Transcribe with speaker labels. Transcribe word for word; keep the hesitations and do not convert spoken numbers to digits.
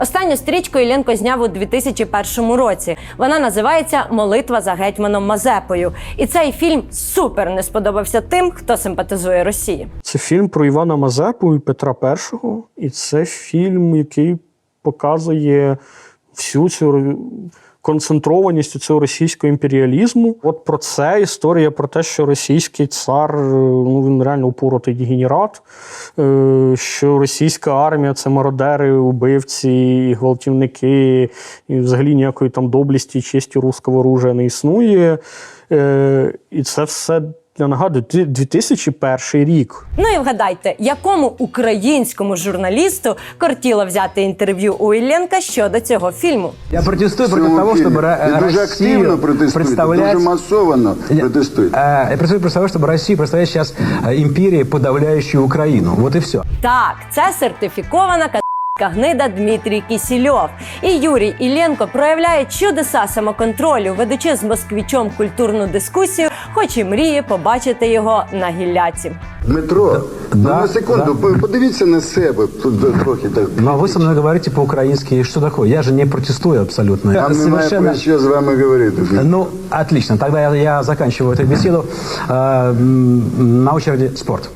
Speaker 1: Останню стрічку Іллєнко зняв у дві тисячі першому році. Вона називається «Молитва за гетьманом Мазепою». І цей фільм супер не сподобався тим, хто симпатизує Росії.
Speaker 2: Це фільм про Івана Мазепу і Петра Першого. І це фільм, який показує всю цю концентрованість цього російського імперіалізму. От про це історія про те, що російський цар, ну він реально упоротий дегенерат, що російська армія – це мародери, убивці, гвалтівники, і взагалі ніякої там доблесті і честі руського оружия не існує. І це все, я нагадую, дві тисячі перший рік.
Speaker 1: Ну і вгадайте, якому українському журналісту кортіло взяти інтерв'ю у Іллєнка щодо цього фільму?
Speaker 3: Я протестую проти того, щоб Росію представлять...
Speaker 4: дуже масово протестует.
Speaker 3: Я протестую проти того, щоб Росію представлять зараз імперії, подавляючою Україну. Вот і все.
Speaker 1: Так, це сертифікована гнида Дмитрій Кісільов. І Юрій Іллєнко проявляє чудеса самоконтролю, ведучи з москвичом культурну дискусію, хоч і мріє побачити його на гілляці.
Speaker 4: Дмитро,
Speaker 3: да,
Speaker 4: на секунду,
Speaker 3: да.
Speaker 4: подивіться на себе. Тут трохи так.
Speaker 3: Но вы со мной говорите по-украински. Что такое? Я же не протестую абсолютно.
Speaker 4: Нам немає про що з вами говорити.
Speaker 3: Ну, отлично. Тогда я, я заканчиваю эту беседу. Э, на очереди спорт.